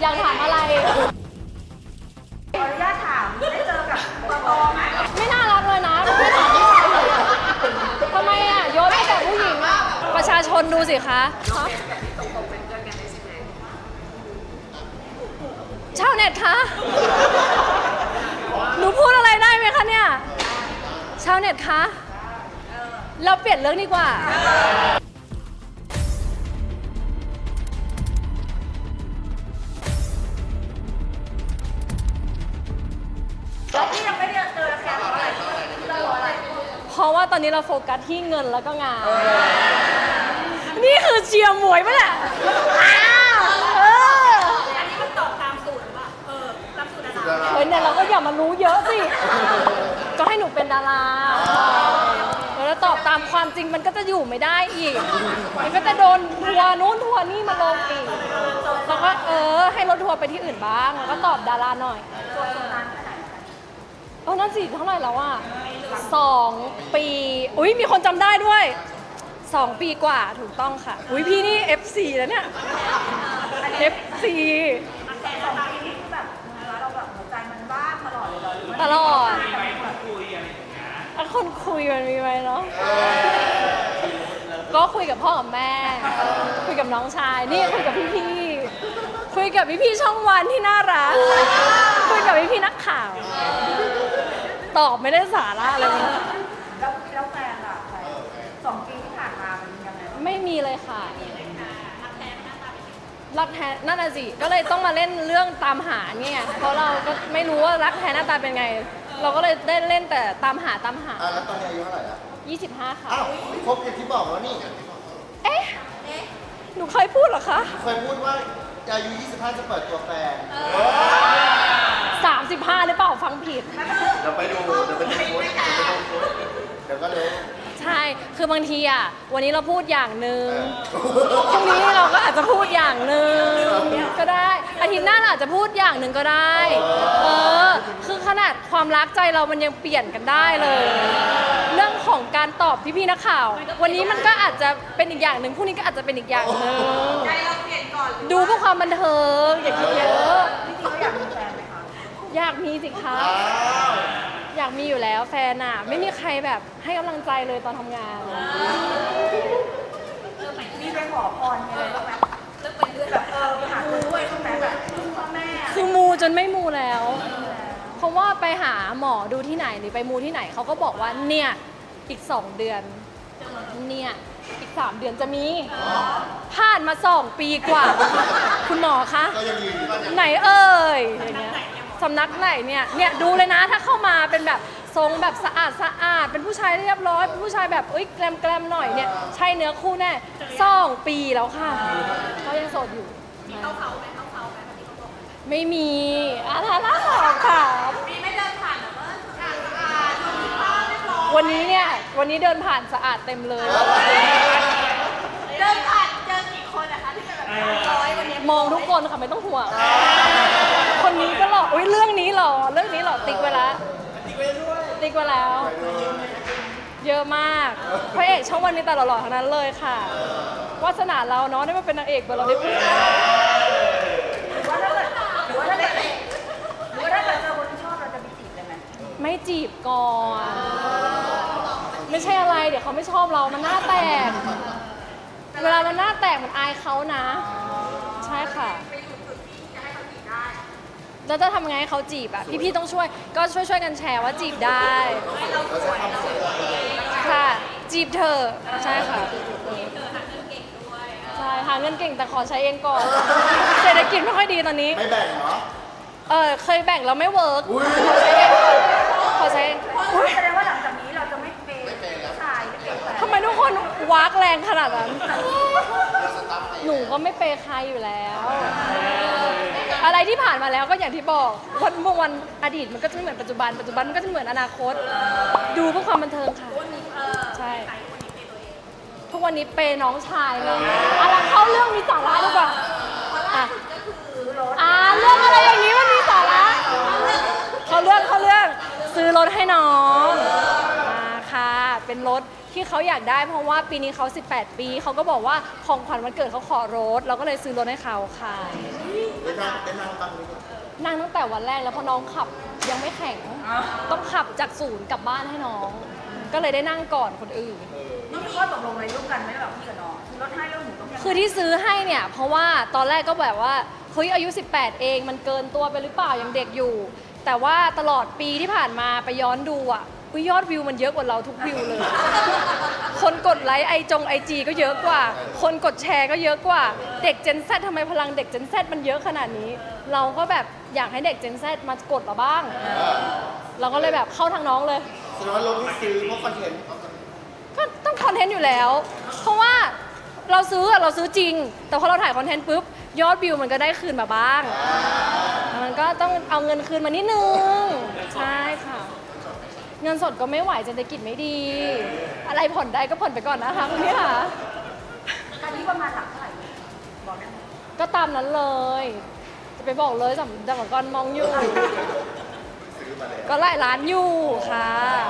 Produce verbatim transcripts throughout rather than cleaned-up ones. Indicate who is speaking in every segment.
Speaker 1: อยากถามอะไร
Speaker 2: ขออนุญาตถามได้เจอกับปตไหม
Speaker 1: ไม่น่ารักเลยนะไม่ถามผู้ชายเลยทำไมอ่ะโยนให้แต่ผู้หญิงอ่ะประชาชนดูสิคะชาวเน็ตคะหนูพูดอะไรได้ไหมคะเนี่ยชาวเน็ตคะเราเปลี่ยนเรื่องดีกว่า
Speaker 2: แล้วที่ยังไม่ได้เจอแฟนเพราะอะไรที่เรารออะไร
Speaker 1: เพราะว่าตอนนี้เราโฟกัสที่เงินแล้วก็งานนี่คือเชียร์มวยปะเนี่ยเออ
Speaker 2: อันนี้มันตอบตามสูตรหรือเปล่าเออตามสูตรดารา
Speaker 1: เฮ้ยเนี่ยเราก็อย่ามารู้เยอะสิก็ให้หนูเป็นดาราแล้วตอบตามความจริงมันก็จะอยู่ไม่ได้อีกมันก็จะโดนทัวร์นู้นทัวร์นี่มาลงอีกแล้วก็เออให้รถทัวร์ไปที่อื่นบ้างแล้วก็ตอบดาราหน่อยเออนั่นสิเท่าไหร่แล้วอ่ะสองปีอุ้ยมีคนจำได้ด้วยสองปีกว่าถูกต้องค่ะอุ้ยพี่นี่ เอฟ ซี แล้วเนี่ย เอฟ ซี
Speaker 2: แต่สองปีนี้คือแบบเราแบบหัวใจมันบ้าตลอดเลย
Speaker 1: ตลอดแล้วคนคุยมันมีไหมเนาะก็คุยกับพ่อกับแม่คุยกับน้องชายนี่คุยกับพี่ๆคุยกับพี่ๆช่องวันที่น่ารักคุยกับพี่ๆนักข่าวตอบไม่ได้สาระเลย
Speaker 2: แล้วแล้วแฟนล่ะสองปีที่ผ่านมามันยังไง
Speaker 1: ไม่มีเลยค่ะรักแท้นั่นน่ะสิก็เลยต้องมาเล่นเรื่องตามหาเนี่ยเพราะเราก็ไม่รู้ว่ารักแท้หน้าตาเป็นไงเราก็เลยได้เล่นแต่ตามหาตามหา
Speaker 3: อ่ะแล้วตอนนี้อายุเท่าไหร่ละ
Speaker 1: ยี่สิบห้าค่ะ
Speaker 3: อ้าวครบอย่างที่บอกแล้วนี่
Speaker 1: เอ๊ะหนูเคยพูดเหรอคะ
Speaker 3: เคยพูดว่าอายุยี่สิบห้าจะเปิดตัวแฟน
Speaker 1: สามสิบห้าหรือเปล่าฟังผิด
Speaker 3: เดี๋ยวไปดูเดี๋ยวไปดูโพสเดี๋ยวไปดูโพสเดี๋ยวก็รู้
Speaker 1: ใช่คือบางทีอ่ะวันนี้เราพูดอย่างหนึ่งพรุ่งนี้เราก็อาจจะพูดอย่างหนึ่งก็ได้อาทิตย์หน้าเราอาจจะพูดอย่างหนึ่งก็ได้เออคือขนาดความรักใจเรามันยังเปลี่ยนกันได้เลยเรื่องของการตอบพี่ๆนักข่าววันนี้มันก็อาจจะเป็นอีกอย่างหนึ่งพรุ่งนี้ก็อาจจะเป็นอีกอย่างหนึ่ง
Speaker 2: ใจเราเปลี่ยนก่อน
Speaker 1: ดูเพื่อความบันเทิงอย่าคิดเยอะ
Speaker 2: จริงๆเราอยากมีแฟนไหมคะ
Speaker 1: อยากมีสิคะอยากมีอยู่แล้วแฟนอ่ะไม่มีใครแบบให้กำลังใจเลยตอนทำงาน
Speaker 2: มีไปขอพรอะไรบ้างไหมเลิกเป็นเลือดแบบเออไปหาครูด้วยใช่ไหมแบบพ่อแม่
Speaker 1: คือมูจนไม่มูแล้วเพราะว่าไปหาหมอดูที่ไหนหรือไปมูที่ไหนเขาก็บอกว่าเนี่ยอีกสองเดือนเนี่ยอีกสามเดือนจะมีผ่านมาสองปีกว่าคุณหมอคะไหนเอ่ยอย่างเงี้ยสำนักไหนเนี่ยเนี่ยดูเลยนะถ้าเข้ามาเป็นแบบทรงแบบสะอาดสะอาดเป็นผู้ชายเรียบร้อยเป็นผู้ชายแบบเอ้ยแกลมแกลมหน่อยเนี่ยใช่เนื้อคู่แน่สองปีแล้วค่ะเขายังโสดอยู่
Speaker 2: มีเข้าเขาไหมเข้าเขาไหมที่เขาบอก
Speaker 1: ไม่มีอะไรล่ะค่ะ
Speaker 2: มีไม่เดินผ่านแบบว่าสะอาดสะอาดมีผ้าเรียบร้อย
Speaker 1: วันนี้เนี่ยวันนี้เดินผ่านสะอาดเต็มเลย
Speaker 2: เดินผ่านเจอกี่คนนะคะที่จะแบบร้อยวันนี้
Speaker 1: มองทุกคนค่ะไม่ต้องห่วงคนนี้ก็หล่ออุ้ยเรื่องนี้หล่อเรื่องนี้หล่อติ๊กไว้แล้วติ๊กไว้แล้วเยอะมากพระเอกช่องวันนี้แต่หล่อๆทั้งนั้นเลยค่ะวาสนาเราเนาะได้มาเป็นนางเอกเบอร์เราได้พูด
Speaker 2: หรือว่าถ้าเกิดหรือว่าถ้าเกิดหรือว่าถ้าเกิดเจอคนที่ชอบเราจะไปจีบได้ไหม
Speaker 1: ไม่จีบก่อนไม่ใช่อะไรเดี๋ยวเขาไม่ชอบเรามันหน้าแตกเวลามันหน้าแตกมันอายเขานะใช่ค่ะแล้วจะทำไงให้เขาจีบอ่ะพี่ๆต้องช่วยก็ช่วยช่วยกันแชร์ว่าจีบได้ค่ะจีบเธอใช่ค่ะใช่หาเงินเก่งแต่ขอใช้เองก่อนเศรษฐกิจไม่ค่อยดีตอนนี้
Speaker 3: ไม่แบ่งเนาะ
Speaker 1: เออเคยแบ่งแล้วไม่เวิร์กขอใช้เองขอใช้เอง
Speaker 2: แสดงว่าหลังจากนี้เราจะไม่เปย์ผู้ชายไม่เปย์แฟน
Speaker 1: ทำไมทุกคนวากแรงขนาดนั้นหนูก็ไม่เปย์ใครอยู่แล้วอะไรที่ผ่านมาแล้วก็อย่างที่บอกวันเมื่อวันอดีตมันก็จะไม่เหมือนปัจจุบันปัจจุบันมันก็จะเหมือนอนาคตดูเพื่อความบันเทิงค่ะใช่ทุกวันนี้เปย์น้องชายเลยอะไรเข้าเรื่องมีสาระดีกว่าอ่ะอ่าเรื่องอะไรอย่างนี้มันมีสาระเขาเรื่องเขาเรื่องซื้อรถให้น้องอ่าค่ะเป็นรถที่เขาอยากได้เพราะว่าปีนี้เขาสิบแปดปีเขาก็บอกว่าของขวัญวันเกิดเขาขอรถเราก็เลยซื้อรถให้เขาค่ะ
Speaker 3: ได้นั่งได้นั่งบ้างไหมเนี่ย
Speaker 1: นั่งตั้งแต่วันแรกแล้วเพราะน้องขับยังไม่แข็ง ต้องขับจากศูนย์กลับบ้านให้น้อง ก็เลยได้นั่งก่อนคนอื่น
Speaker 2: นี่มีข้อตกลงอะไรร่วมกันไหมแบบพี่กับน้องคือรถให้แล้วหนูต้องยังไง
Speaker 1: คือที่ซื้อให้เนี่ยเพราะว่าตอนแรกก็แบบว่าเฮ้ยอายุสิบแปดเองมันเกินตัวไปหรือเปล่ายังเด็กอยู่ แต่ว่าตลอดปีที่ผ่านมาไปย้อนดูอ่ะอุ๊ยยอดวิวมันเยอะกว่าเราทุกวิวเลย คนกดไลค์ไอจงไอจีก็เยอะกว่า คนกดแชร์ก็เยอะกว่าเด็ก Gen Z ทำไมพลังเด็ก Gen Z มันเยอะขนาดนี้ เราก็แบบอยากให้เด็ก Gen Z มากดเราบ้าง เราก็เลยแบบเข้าทางน้องเลย
Speaker 3: แสดงว่ารถที่ซื้อเพราะคอนเทนต์
Speaker 1: ก็ต้องคอนเทนต์อยู่แล้ว เพราะว่าเราซื้ออะเราซื้อจริง แต่พอเราถ่ายคอนเทนต์ปุ๊บยอดวิวมันก็ได้คืนมาบ้าง มันก็ต้องเอาเงินคืนมานิดนึง ใช่ค่ะ เงินสดก็ไม่ไหวเศรษฐกิจไม่ดี อะไรผ่อนได้ก็ผ่อนไปก่อนนะคะคุณพี่ค่ะ
Speaker 2: คันนี้ประมาณหลักเท่าไหร่บอกได้ไหม
Speaker 1: ก็ตามนั้นเลย จะไปบอกเลยสำหรับก่อนมองอยู่
Speaker 3: ซื้อมาแล้ว
Speaker 1: ก็หลายล้านอยู่ค่ะ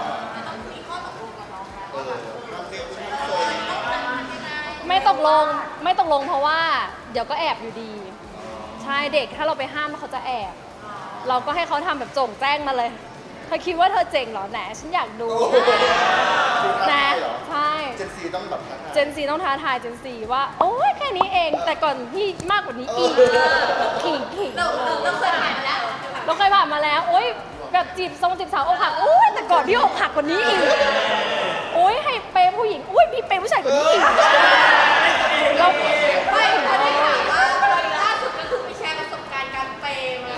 Speaker 3: เออทำเรื่องชิ้นโซน
Speaker 1: ไม่ตกลงไม่ตกลงเพราะว่าเดี๋ยวก็แอบอยู่ดี ใช่เด็กถ้าเราไปห้ามเขาจะแอบ เราก็ให้เขาทำแบบโจ่งแจ้งมาเลยเธอคิดว่าเธอเจ๋งเหรอแหนฉันอยากดู
Speaker 3: คือท้า
Speaker 1: นะ
Speaker 3: ทายเหรอ
Speaker 1: ใช่
Speaker 3: เจนซีต้องแบบท้าทาย
Speaker 1: เจนซีต้องท้าทายเจนซีว่าโอ้ยแค่นี้เองแต่ก่อนพี่มากกว่านี้อีกขิงขิง
Speaker 2: เราเราเคยผ่านมาแล้ว
Speaker 1: เราเคยผ่านมาแล้วโอ้ยแบบจีบทรงจีบสาวอกหักโอ้ยแต่ก่อนพี่อกหักกว่านี้อีกโอ้ยให้เปย์ผู้หญิงโอ้ยพี่เปย์ผู้ชายกว่านี้อีกเรา
Speaker 2: ไม่เขาได้ถามว่าล่าสุดก็คือไปแชร์ประสบการณ์การเปย์มา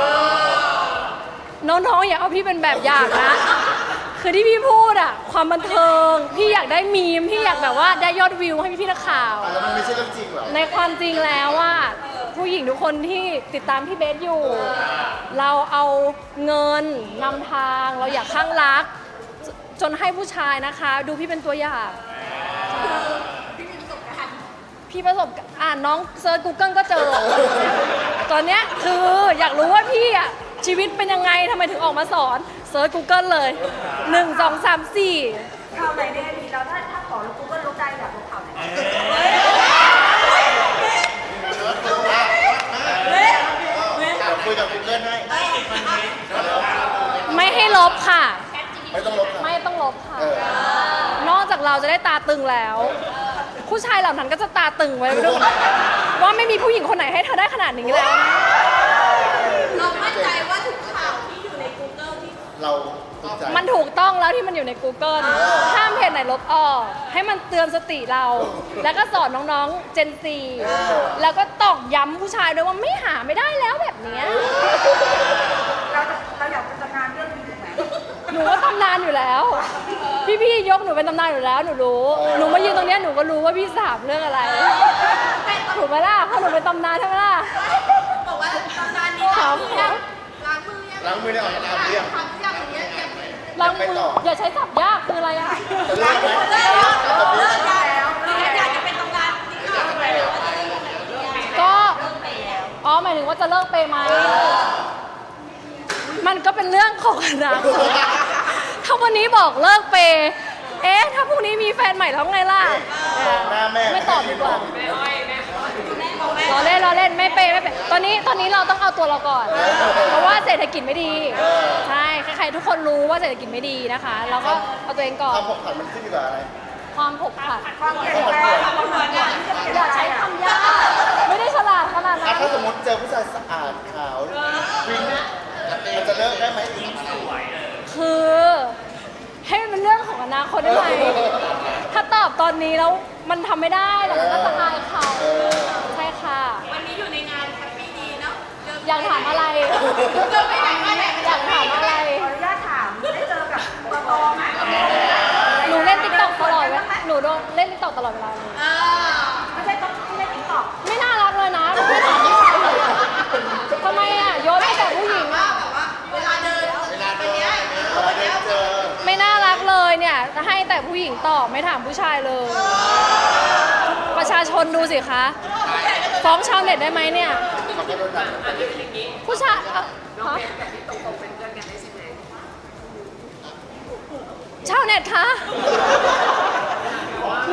Speaker 1: น้องๆอย่าเอาพี่เป็นแบบอย่างนะ คือที่พี่พูดอะความบันเทิงพี่อยากได้มีมพี่อยากแบบว่าได้ยอดวิวให้พี่ๆนักข่าว
Speaker 3: อ่ะแล้วมันไม่ใช่เรื่องจริงเหรอ
Speaker 1: ในความจริงแล้วว่าผู้หญิงทุกคนที่ติดตามพี่เบสอยู่ เราเอาเงินนำทางเราอยากข้างรัก จจนให้ผู้ชายนะคะ ดูพี่เป็นตัวอย่างพี่ประสบการณ์อ่านน้องเซิร์ช Google ก็เจอ ตอนเนี้ยคืออยากรู้ว่าพี่อะชีวิตเป็นยังไงทำไมถึงออกมาสอนเซิร์ช Google เลยหนึ่ง สอง สาม สี่
Speaker 2: ข่าวไหนเนี่ยดีเราถ้าถ้าขอลบกูก็ลบได้อยากลบข่าวไหน
Speaker 3: อ่ะคุยกับ Google ให้
Speaker 1: ไม่ให้ลบค่ะ
Speaker 3: ไม่ต้องลบนะ
Speaker 1: ไม่ต้องลบค่ะ
Speaker 3: เออ
Speaker 1: นอกจากเราจะได้ตาตึงแล้ว ผู้ชายเหล่านั้นก็จะตาตึงไว้ด้วยว่าไม่มีผู้หญิงคนไหนให้เธอได้ขนาดนี้แล้วนะ
Speaker 2: เรามั่นใจว่าทุกข่าวที่อยู่ใน Google ที่
Speaker 3: เราสนใจ
Speaker 1: มันถูกต้องแล้วที่มันอยู่ใน Google ห้ามเพจไหนลบออก ให้มันเตือนสติเรา แล้วก็สอนน้องๆ Gen Z แล้วก็ตอกย้ำผู้ชายด้วยว่าไม่หาไม่ได้แล้วแบบเนี้ย
Speaker 2: เราจะเราอยากเป็นตำนานเรื่องนี้ถูกไหม
Speaker 1: หนูว่าตำนานอยู่แล้ว พี่ๆยกหนูเป็นตำนานอยู่แล้วหนูรู้ หนูมายืนตรงเนี้ยหนูก็รู้ว่าพี่สามเรื่องอะไร ถูกไหมล่ะเพราะหนูเป็นตำนานใช่ไหมล่ะ
Speaker 2: บอกว่าตำนานนี้
Speaker 1: ถาม
Speaker 2: ล้างมือยัง
Speaker 3: ล้างมือได้ออกน้ำเรียง
Speaker 2: ทำอย่างเงี้ยอย่าง
Speaker 1: ล้างมืออย่าใช้สับยากคืออะไรอ่ะ
Speaker 3: จะเลิกไหม
Speaker 2: เลิกแล้ว
Speaker 3: ถ้าแบบนี้
Speaker 2: เลิกแล้วเลิกแล้วอยากจะเป็นตำนานที่ข่าวอะไรหรือว่าจะเลิกไหน
Speaker 1: ก็อ๋อหมายถึงว่าจะเลิกเปย์ไหมมันก็เป็นเรื่องของอนาคตถ้าวันนี้บอกเลิกเปย์เอ๊ะถ้าพรุ่งนี้มีแฟนใหม่แล้วไงล่ะ
Speaker 3: หน้าแม่
Speaker 1: ไม่ตอบดีกว่า รอเล่นรอเล่นไม่เปย์ไม่เปย์ตอนนี้ตอนนี้เราต้องเอาตัวเราก่อน เพราะว่าเศรษฐกิจไม่ดี ใช่ใครๆทุกคนรู้ว่าเศรษฐกิจไม่ดีนะคะ เราก็เอาตัวเองก่อน
Speaker 3: ความผกผันมันขึ้นอยู่กับอะไร
Speaker 1: ความผกผัน
Speaker 2: ความเปลี่ยนแปลงความเหมือนกันที่จะเปลี่ยน
Speaker 1: อย่า
Speaker 2: ใจ
Speaker 1: ใช้
Speaker 2: อ่ะ
Speaker 1: คำยากไม่ได้ฉลาดขนาด
Speaker 3: อ่ะ
Speaker 1: นั้น
Speaker 3: ถ้าสมมติเจอผู้ชายสะอาดขาววิ่งมันจะเลิกได้ไหม
Speaker 1: คือให้มันเป็นเรื่องของอนาคตได้ไหมถ้าตอบตอนนี้แล้วมันทำไม่ได้แต่มันก็จะอายเขาใช่ค่ะ
Speaker 2: วันนี้อยู่ในงานแฮปปี้ดีเนาะ
Speaker 1: อยากถามอะไร
Speaker 2: เดินไปไหนมาไหน
Speaker 1: อยากถามอะไร
Speaker 2: ขออนุญาตถามได้เจอกับปตอไหม
Speaker 1: หนูเล่นติ๊กต็อกตลอดเวลาหนูโดนเล่นติ๊กต็อกตลอดเวลาเลย
Speaker 2: เออไม่ใช่ต้องไม่ใช่ติ๊กต็อก
Speaker 1: ไม่น่ารักเลยนะไม่ถามผู้ชายเลยอะทำไมอ่ะโยนให้แต่ผู้หญิงอ่ะ
Speaker 2: แบบว่าเวลาเดิน
Speaker 3: เวลาเดินเวลาเดินเจอ
Speaker 1: ไม่น่ารักเลยเนี่ยให้แต่ผู้หญิงตอบไม่ถามผู้ชายเลย ประชาชนดูสิคะฟ้องชาวเน็ตได้ไหมเนี่ย
Speaker 3: เขาก็โดนด่า
Speaker 1: ผู้ชายเอ่อฮะชาวเน็ตคะ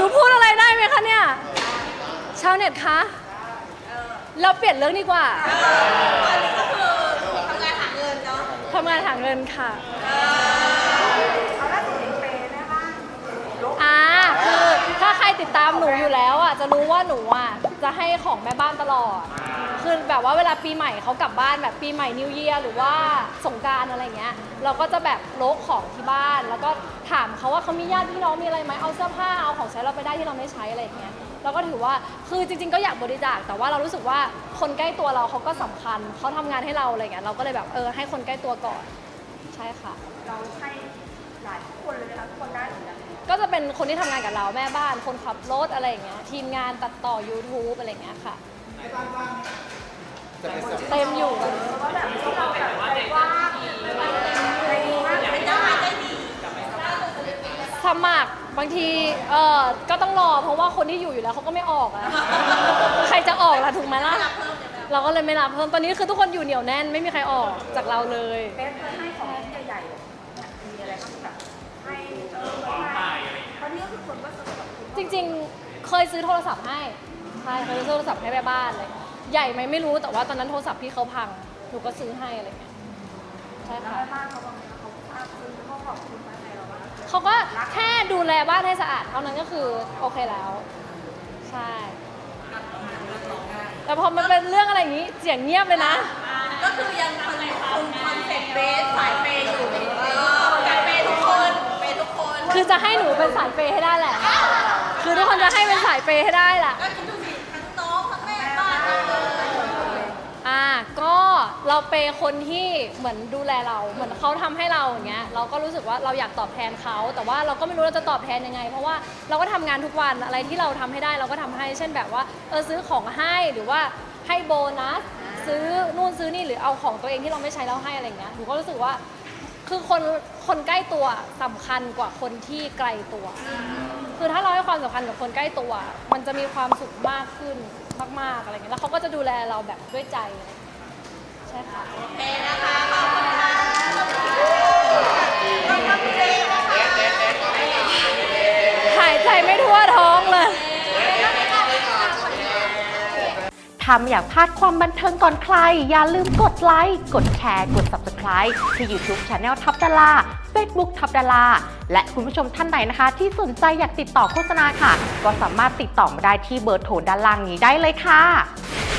Speaker 1: นูพูดอะไรได้ไหมคะเนี่ย ชาวเน็ตคะ เราเปลี่ยนเรื่องดีกว่า
Speaker 2: อันนี้ก็คือทำงานหาเงินเนาะ
Speaker 1: ทำงานหาเงินค่ะ
Speaker 2: เอาล่าสุดเห็นเปย์แม่บ้านลบ
Speaker 1: อ่าคือถ้าใครติดตามหนูอยู่แล้วอ่ะจะรู้ว่าหนูอ่ะจะให้ของแม่บ้านตลอด คือแบบว่าเวลาปีใหม่เขากลับบ้านแบบปีใหม่นิวเยียร์หรือว่าสงกรานต์อะไรเงี้ย เราก็จะแบบโลกของที่บ้าน แล้วก็ถามเขาว่าเขามีญาติพี่น้องมีอะไรไหมเอาเสื้อผ้าเอาของใช้เราไปได้ที่เราไม่ใช้อะไรอย่างเงี้ยเราก็ถือว่าคือจริงๆก็อยากบริจาคแต่ว่าเรารู้สึกว่าคนใกล้ตัวเราเขาก็สำคัญเขาทำงานให้เราอะไรเงี้ยเราก็เลยแบบเออให้คนใกล้ตัวก่อนใช่ค่ะ
Speaker 2: เราให้หลายคนเลยนะคะทุกคนได้หรือยัง
Speaker 1: ก็จะเป็นคนที่ทำงานกับเราแม่บ้านคนขับรถอะไรอย่างเงี้ยทีมงานตัดต่อ YouTube อะไรอย่างเงี้ยค่ะ
Speaker 3: จะเป็นสัป
Speaker 1: เต็มอยู่
Speaker 2: ว่าแบบที่เราแบบใจกว้างใจดีมากเป็นเจ้านายใจดี
Speaker 1: สมัครบางทีเออก็ต้องรอเพราะว่าคนที่อยู่อยู่แล้วเขาก็ไม่ออกอะใครจะออกล่ะถูกไหมล่ะเราก็เลยไม่รับเพิ่มตอนนี้คือทุกคนอยู่เหนียวแน่นไม่มีใครออกจากเราเลย
Speaker 2: เบสเคยให้ของใหญ่ๆมีอะไรบ้างแบบให้เออให้เพราะนี่ก็คือคนก็สนุกกับคุณ
Speaker 1: จริงๆ เคยซื้อโทรศัพท์ให้ใช่เคยซื้อโทรศัพท์ให้แม่บ้านเลยใหญ่ไหมไม่รู้แต่ว่าตอนนั้นโทรศัพท์พี่เขาพังหนูก็ซื้อให้อะไรเงี้ยใช่
Speaker 2: แล้ว
Speaker 1: ค่ะ
Speaker 2: แม่บ้านเขาบอกเขาทราบซึ้งเขาขอบคุณมาในเราบ้าง
Speaker 1: เขาก็แค่ดูแลบ้านให้สะอาดเท่านั้นก็คือโอเคแล้ว ใช่ แต่พอมันเป็นเรื่องอะไรอย่างนี้เสียงเงียบเลยนะ
Speaker 2: ก็คือยังคอนคงคอนเซ็ปต์เบสสายเปย์อยู่เออสายเปย์ทุกคนเปย์ทุกคน
Speaker 1: คือจะให้หนูเป็นสายเปย์ให้ได้แหละ คือทุกคนจะให้เป็นสายเปย์ให้ได้แหละ
Speaker 2: ก็คิดดูสิทั้งน้องทั้งแม่บ้านทั้งเลย
Speaker 1: อ่าก็เราเปย์คนที่เหมือนดูแลเราเหมือนเขาทำให้เราอย่างเงี้ยเราก็รู้สึกว่าเราอยากตอบแทนเขาแต่ว่าเราก็ไม่รู้เราจะตอบแทนยังไง เพราะว่าเราก็ทำงานทุกวันอะไรที่เราทำให้ได้เราก็ทำให้เช่นแบบว่าเออซื้อของให้หรือว่าให้โบนัสซื้อนู่นซื้อนี่หรือเอาของตัวเองที่เราไม่ใช้แล้วให้อะไรเงี้ยหนูก็รู้สึกว่าคือคนคนใกล้ตัวสำคัญกว่าคนที่ไกลตัว คือถ้าเราให้ความสำคัญกับคนใกล้ตัว มันจะมีความสุขมากขึ้นมากๆอะไรเงี้ยแล้วเขาก็จะดูแลเราแบบด้วยใจอะไรเงี้ยใช่ค่ะ
Speaker 2: โอเคนะคะขอบคุณค่ะขอบคุณเลยนะคะ
Speaker 1: หายใจไม่ทั่วท้องเลย
Speaker 4: ถ้าไม่อยากพลาดความบันเทิงก่อนใคร อย่าลืมกดไลค์ กดแชร์ กด ซับสไครบ์ ที่ ยูทูบ Channel ทับดารา เฟซบุ๊ก ทับดารา และคุณผู้ชมท่านไหนนะคะ ที่สนใจอยากติดต่อโฆษณาค่ะ ก็สามารถติดต่อมาได้ที่เบอร์โทรด้านล่างนี้ได้เลยค่ะ